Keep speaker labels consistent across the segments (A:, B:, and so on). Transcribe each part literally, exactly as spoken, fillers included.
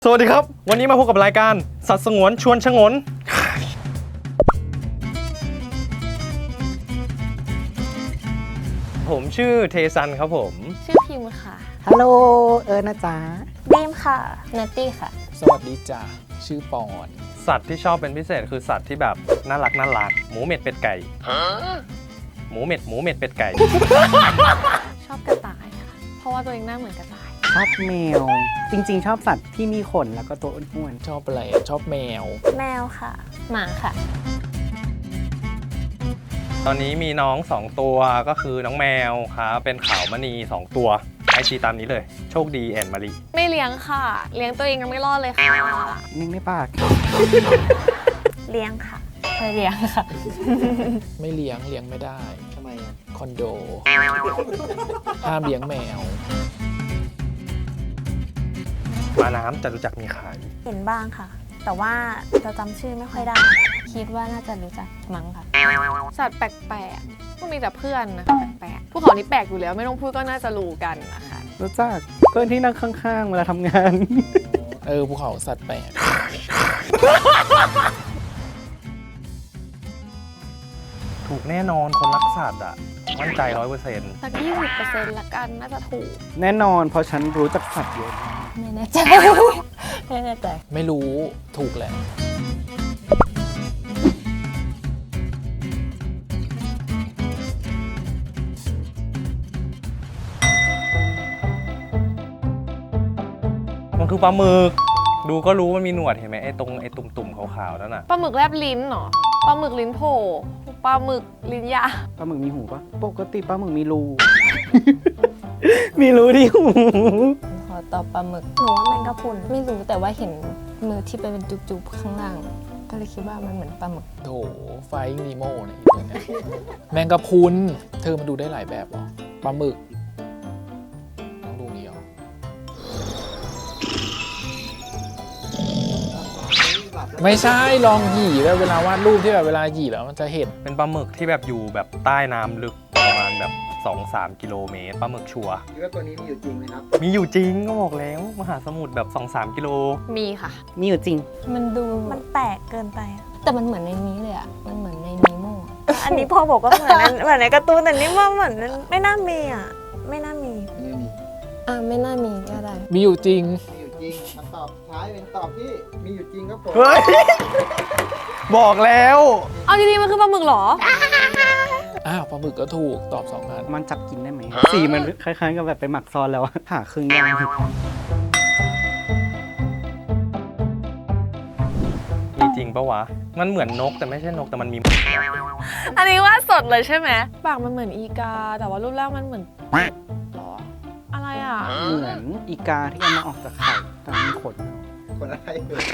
A: สวัสดีครับวันนี้มาพบกับรายการสัตว์สงวนชวนชงนผมชื่อเทซันครับผม
B: ชื่อพิมค่ะ
C: ฮัลโหลเอิร์นะจ๊ะ
B: ดีมค่ะนัตตี้ค่ะ
D: สวัสดีจ้ะชื่อปอน
A: สัตว์ที่ชอบเป็นพิเศษคือสัตว์ที่แบบน่ารักน่ารักหมูเม็ดเป็ดไก่หมูเม็ดหมูเม็ดเป็ดไก่
B: ชอบกระต่ายค่ะเพราะว่าตัวเองหน้าเหมือนกระต่าย
C: ชอบแมวจริงๆชอบสัตว์ที่มีขนแล้วก็ตัวอ้วน
D: ชอบอะไรชอบแมว
B: แมวค่ะหมาค่ะ
A: ตอนนี้มีน้องสองตัวก็คือน้องแมวครับเป็นขาวมณีสองตัวไอจีตามนี้เลยโชคดีแอนมารี
B: ไม่เลี้ยงค่ะเลี้ยงตัวเองยังไม่รอดเลยค่ะ
C: นิ่งไม่ปาก
B: เลี้ยงค่ะไม่เลี้ยงค่ะ
D: ไม่เลี้ยงเลี้ยงไม่ได้
C: ทำไมอ่ะ
D: คอนโดห้ามเลี้ยงแมว
A: ปลาน้ำจะรู้จักมีขาย
B: เห็นบ้างค่ะแต่ว่าจะจำชื่อไม่ค่อยได้คิดว่าน่าจะรู้จักมั้งค่ะสัตว์แปลกๆก็มีแต่เพื่อนนะคะแปลกๆพวกเขานี่แปลกอยู่แล้วไม่ต้องพูดก็น่าจะรู้กันนะคะ
C: รู้จักเพื่อนที่นั่งข้างๆเวลาทำงาน
D: เออภูเขาสัตว์แปลก
A: ถูกแน่นอนคนรักสัตว์อ่ะมั่นใจร้อยเปอร์เซ็นต์
B: สักยี่สิบเปอร์เซ็นต์ละกันน่าจะถูก
C: แน่นอนเพราะฉันรู้จักสัตว์เยอะ
B: ไม่แน่ใจไม่แน่ใจ
D: ไม่รู้ถูกแหละ
A: มันคือปลาหมึกดูก็รู้มันมีหนวดเห็นไหมไอ้ตรงไอ้ตุ่มๆขาวๆนั่นน่ะ
B: ปลาหมึกแลบลิ้นเหรอปลาหมึกลิ้นโผล่ปลาหมึกลิ้นยา
C: ปลาหมึกมีหูปะปกติปลาหมึกมีรูมีรูที่หู
B: ขอตอบปลาหมึกหนูว่าแมงกะพรุนไม่รู้แต่ว่าเห็นมือที่ไปเป็นจุบๆข้างล่างก็เลยคิดว่ามันเหมือนปลาหมึก
D: โถไฟนีโม่เนี่ยแมงกะพรุนเธอมันดูได้หลายแบบหรอปลาหมึกต้องดูนี้หรอไม่ใช่ลองหยี่แล้วเวลาวาดรูปที่แบบเวลาหยี่แล้วมันจะเห็น
A: เป็นปลาหมึกที่แบบอยู่แบบใต้น้ำลึกประมาณแบบ สองถึงสาม กิโลเมตรปลาหมึกชัวร์
C: คิดว่าตัวนี้มีอยู่จริงไหมครับ
A: มีอยู่จริงก็บอกแล้วมหาสมุทรแบบ สองถึงสาม กิโล
B: มีค่ะ
C: มีอยู่จริง
B: มันดูมันแปลกเกินไปแต่มันเหมือนในนี้เลยอ่ะมันเหมือนในนีโม่อันนี้พ่อบอกว่าเหมือนเหมือนในการ์ตูนแต่นี่ว่าเหมือนไม่น่ามีอ่ะไม่น่ามี
C: ไม่มี
B: อ่าไม่น่ามีก็ได้
D: มีอยู่จริง
C: มีอยู่จริงคำตอบท้ายเป็นตอบที่มีอยู่จริงครับผม
A: บอกแล้ว
B: เอาจริงๆมันคือปลาหมึกเหรอ
D: อ้าวปลาหมึกก็ถูกตอบสองอัน
C: มันจับกินได้ไหมสีมันคล้ายๆกับแบบไปหมักซอนแล้วผ่าครึ่งย่าง
A: มีจริงปะวะมันเหมือนนกแต่ไม่ใช่นกแต่มันมี
B: อันนี้ว่าสดเลยใช่ไหมปากมันเหมือนอีกาแต่ว่ารูปร่างมันเหมือนหรออะไรอ่ะ
C: เหมือนอีกาที่เอามาออกจากไข่แต่มีขนขนอะไร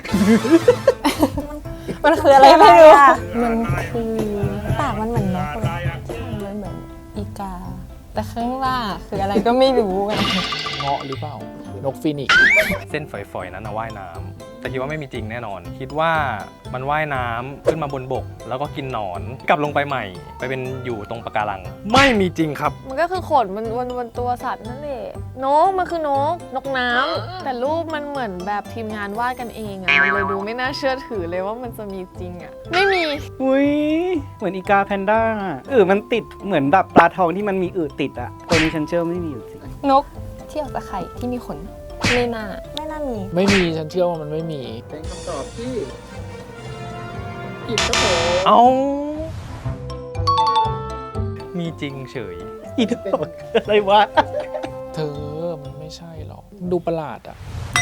B: มันคืออะไรไม่รู้มันคือปากมันเหมือนนกเลยมันเหมือนอีกาแต่ข้างล่างคืออะไรก็ไม่รู้ไง
D: เงาะหรือเปล่านกฟีนิกซ์
A: เส้นฝอยๆนั้นนะว่ายน้ำแต่คิดว่าไม่มีจริงแน่นอนคิดว่ามันว่ายน้ำขึ้นมาบนบกแล้วก็กินหนอนกลับลงไปใหม่ไปเป็นอยู่ตรงปะการังไม่มีจริงครับ
B: มันก็คือขนมันวนวนตัวสัตว์นั่นแหละนกมันคือนกนกน้ำแต่รูปมันเหมือนแบบทีมงานวาดกันเองอะมันเลยดูไม่น่าเชื่อถือเลยว่ามันจะมีจริงอะไม่มี
C: อุ้ยเหมือนอีกาแพนด้าเออมันติดเหมือนแบบปลาทองที่มันมีอืดติดอะตัวนี้ฉันเชื่อไม่มีอยู่จริง
B: นกที่ออกจากไข่ที่มีขนไม่น่าไม่น่ามี
D: ไม่มีฉันเชื่อว่ามันไม่มี
C: เป็นคำตอบที่ผิดครับผม
A: เอามีจริงเฉย
C: อีกตอบอะไรวะ
D: เธอมันไม่ใช่หรอกดูประหลาดอ่ะ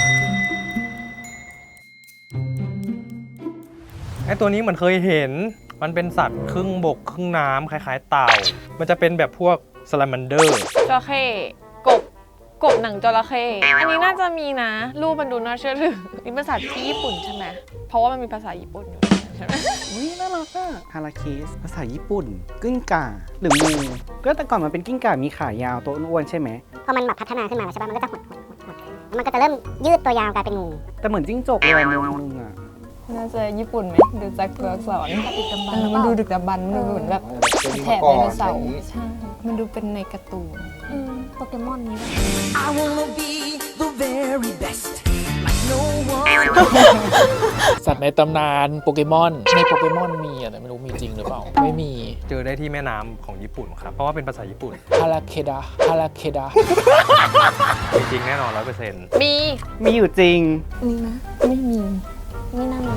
A: ไอตัวนี้เหมือนเคยเห็นมันเป็นสัตว์ครึ่งบกครึ่งน้ำคล้ายๆเต่ามันจะเป็นแบบพวกซาลาแมนเดอร์
B: จระเข้กบกบหนังจระเข้อันนี้น่าจะมีนะรูปมันดูน่าเชื่อถือนี่ภาษาที่ญี่ปุ่นใช่ไหมเพราะว่ามันมีภาษาญี่ปุ่นอยู่ใช่ไหม
C: อุ้ยน่ารักอะฮาราเคสภาษาญี่ปุ่นกิ้งก่าหรืองูก็แต่ก่อนมันเป็นกิ้งก่ามีขายาวตัวอ้วนใช่ไหม
E: พอมันแบบพัฒนาขึ้นมาใช่ป่ะมันก็จะหดหดหดหดแล้วมันก็จะเริ่มยืดตัวยาวกลายเป็นงู
C: แต่เหมือนจิ้งจกเลยนึงอะ
B: น่าจะญี่ปุ่นไหมดูจากตัวอักษรมันดูดึกดำบรรพ์มันดูเหมือนแบบแถบไดโนเสาร์ใช่มันดูเป็นในการ์ตูนโปเกมอนนี้ป่ะ
D: สัตว์ในตำนานโปเกมอนในโปเกมอนมีอะแต่ไม่รู้มีจริงหรือเปล่าไม่มี
A: เจอได้ที่แม่น้ำของญี่ปุ่นครับ เพราะว่าเป็นภาษาญี่ปุ่น
D: ฮาราเคดะฮาราเคดะ
A: มีจริงแน่นอนร้อยเปอร์เซ็นต์
B: มี
C: มีอยู่จริง
B: นี่นะ ไม่มี ไม่น่ามี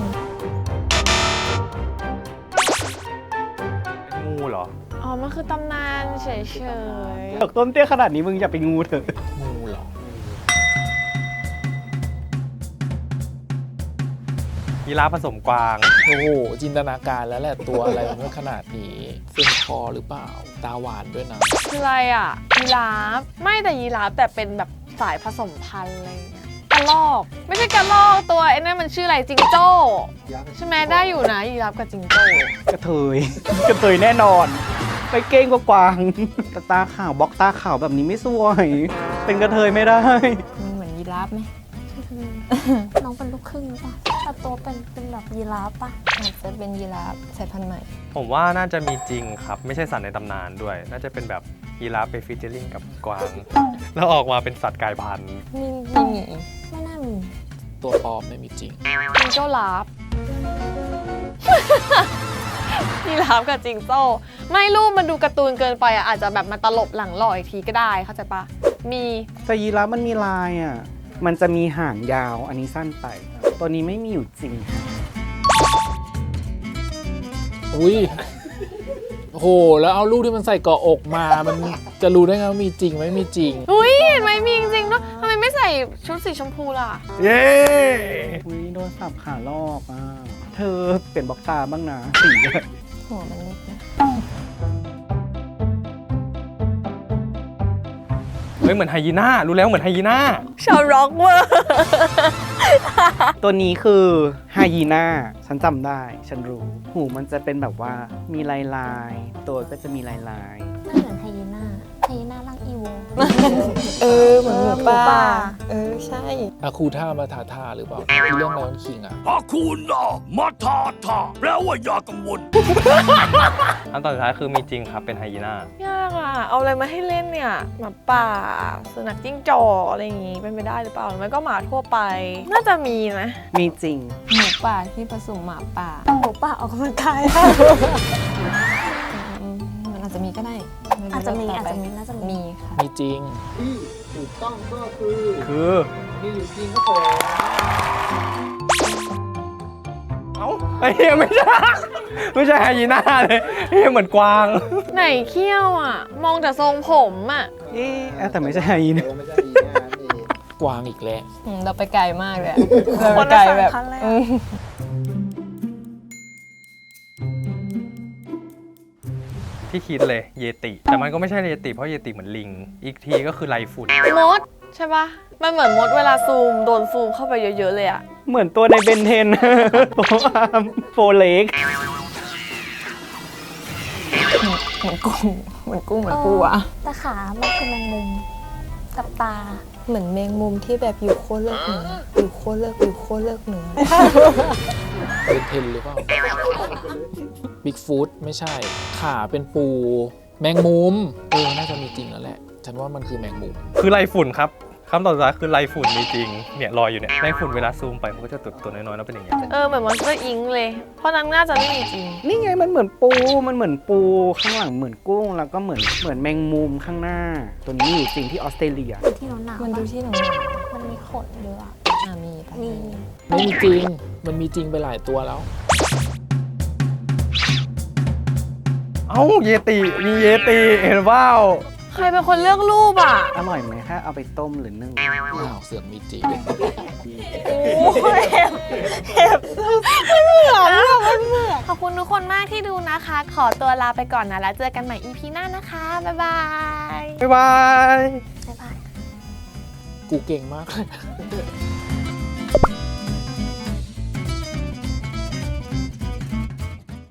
A: งูเหรอ
B: อ๋อ มันคือตำนานเฉย
C: ดอกต้นเตี้ยขนาดนี้มึงอย่าไปงูเถอะ
D: งูเหรอ
A: ยีราฟผสมกวาง
D: โอ้โหจินตนาการแล้วแหละตัวอะไรมันขนาดนี้เส้นคอหรือเปล่าตาหวานด้วยนะ
B: ๆคืออะไรอ่ะ ยีราฟ ไม่แต่ยีราฟแต่เป็นแบบสายผสมพันธุ์อะไรอย่างเงี้ยกระรอก ไม่ใช่กระรอกตัวไอ้นั่นมันชื่ออะไรจิงโจ้ ใช่ไหมได้อยู่นะยีราฟกับจิงโจ้
C: กระเทย กระเทยแน่นอน ไปเก้งกว่ากวางแต่ตาขาวบล็อกตาขาวแบบนี้ไม่สวย เป็นกระเทยไม่ได้
F: มันเหมือนยีราฟไหม
B: น้องเป็นลูกครึ่งหรือเปล่าแต่ตัวเป็นเป็นแบบยีราฟปะ
F: อาจจะเป็นยีราฟสายพันธุ์ใหม่
A: ผมว่าน่าจะมีจริงครับ ไม่ใช่สัตว์ในตำนานด้วย น่าจะเป็นแบบยีราฟไปฟีเจอริ่งกับกวาง แล้วออกมาเป็นสัตว์กลายพันธุ์
F: ไม่ไม่มี
B: ไม่น่ามี
D: ตัวปลอมไม่มีจริง
B: จิงโจ้ลาฟ ยีราฟกับจิงโจ้ไม่รูปมันดูการ์ตูนเกินไปอ่ะอาจจะแบบมาตลบหลังหล่ออีกทีก็ได้เข้าใจปะมี
C: แต่ยีราฟมันมีลายอ่ะ มันจะมีหางยาว อันนี้สั้นไป ตัวนี้ไม่มีอยู่จริง
D: อุ้ยโอ้โหแล้วเอาลูกที่มันใส่เกาะอกมา มันจะรู้ได้ไงว่ามีจริงไหมมีจริง
B: อุ้ยเห็นไหมมีจริงๆเนาะทำไมไม่ใส่ชุดสีชมพูล่ะ
A: เย้
C: อุ้ยโดนสับขาลอกอ่ะ เธอเปลี่ยนบล็อกตาบ้างนะสีเลย
F: หัวมันเล็กนะ
A: เฮ้ยเหมือนไฮยีน่า รู้แล้วเหมือนไฮยีน่า
B: ชาวร็อกเวอร์
C: ตัวนี้คือไฮยีน่า ฉันจำได้ ฉันรู้ หูมันจะเป็นแบบว่ามีลายลายๆตัวก็จะมีลายลายๆ
B: น่าเหมือนไฮยีน่าไฮยีน่าร่างอีโว
F: เออ เหมือนหมูป่า
B: หมูป่า
F: เออ ใช่
D: อาคูท่ามาทาท่าหรือเปล่าเรื่องไลออนคิงอะ
G: อาคุณน่ะมาทาทาแปลว่าอย่ากังวล
A: อันต่อสุดท้ายคือมีจริงครับ เป็นไฮยีน่า
B: ยากอ่ะ เอาอะไรมาให้เล่นเนี่ยหมาป่าสุนัขจิ้งจอกอะไรอย่างงี้เป็นไปได้หรือเปล่าหรือไม่ก็หมาทั่วไป น่าจะมีนะ
C: มีจริง
F: หมูป่าที่ผสมหมาป่า
B: หมูป่าออกกำลังกาย
F: อืมมันอาจจะมีก็ได้ไรู้
B: อาจจะมี
F: ต่
B: อาจ
F: ไป
B: จะมีน่าจะมี
F: มีค่ะ
D: มีจริง
A: คือ เอ้าไอ้เหี้ยไม่ใช่ ไม่ใช่ไฮยีน่าเลยไอ้เหี้ยเหมือนกวาง
B: ไหนเขี้ยวอ่ะ มองแต่ทรงผมอ่ะ
C: เอ๊ะแต่ไม่ใช่ไฮยีน่า
D: กวางอีกแล้ว
F: อืมเราไปไกลมากเลยอะเราไปไกลแบบ
B: คนละสายพันธุ์เลยอะ
F: อืม
A: ที่คิดเลยเยติ แต่มันก็ไม่ใช่เยติเพราะเยติเหมือนลิง อีกทีก็คือไรฝุ่น
B: มดใช่ปะมันเหมือนมดเวลาซูมโดนซูมเข้าไปเยอะๆเลยอ่ะ
C: เหมือนตัวในเบนเทน โฟอาร์มโฟเล็ก
F: เหมือนกุ้ง เหมือนกุ้งเหมือนปูอะ
B: แต่ขา มันคือแมงมุมกับตา
F: เหมือนแมงมุมที่แบบอยู่โคตรเลิกเหนือ อยู่โคตรเลิกอยู่โคตรเลิกเหนือ
D: เป็นเทนหรือเปล่าบิ๊กฟูดไม่ใช่ ขาเป็นปู แมงมุม เออ น่าจะมีจริงแล้วแหละ ฉันว่ามันคือแมงมุม
A: คือไรฝุ่นครับคำตอบสุดท้ายคือไรฝุ่นมีจริง เนี่ยลอยอยู่เนี่ยไรฝุ่นเวลาซูมไปมันก็จะตัวตัวน้อยๆแล้วเป็นอย่างเงี้ย
B: เออเหมือนมอนสเตอร์อิงเลย เพราะนั้นน่าจะไม่มีจริง
C: นี่ไงมันเหมือนปู มันเหมือนปูข้างหลังเหมือนกุ้ง แล้วก็เหมือนเหมือนแมงมุมข้างหน้า ตัวนี้อยู่จริงที่ออสเตรเลีย
B: ที่หนาวหนาว
F: มันดูที่หนู
B: มันมีขนเยอะอะ
F: อ่ามีปะ
B: มี
D: ไม่มีจริง มันมีจริงไปหลายตัวแล้ว
A: เอ้าเยติ มีเยติ เห็นเปล่า
B: ใครเป็นคนเลือกรูปอ่ะ
C: อร่อยไหมถ้าเอาไปต้มหรือนึ่ง
D: อ้าวเสือกมีจริง
B: โอ้ยเห็บเห็บมันเหมือนอะมันเหมือนขอบคุณทุกคนมากที่ดูนะคะ ขอตัวลาไปก่อนนะ แล้วเจอกันใหม่ อี พี หน้านะคะ บ๊ายบาย
A: บ๊ายบาย
B: บ๊ายบาย
D: กูเก่งมากเลย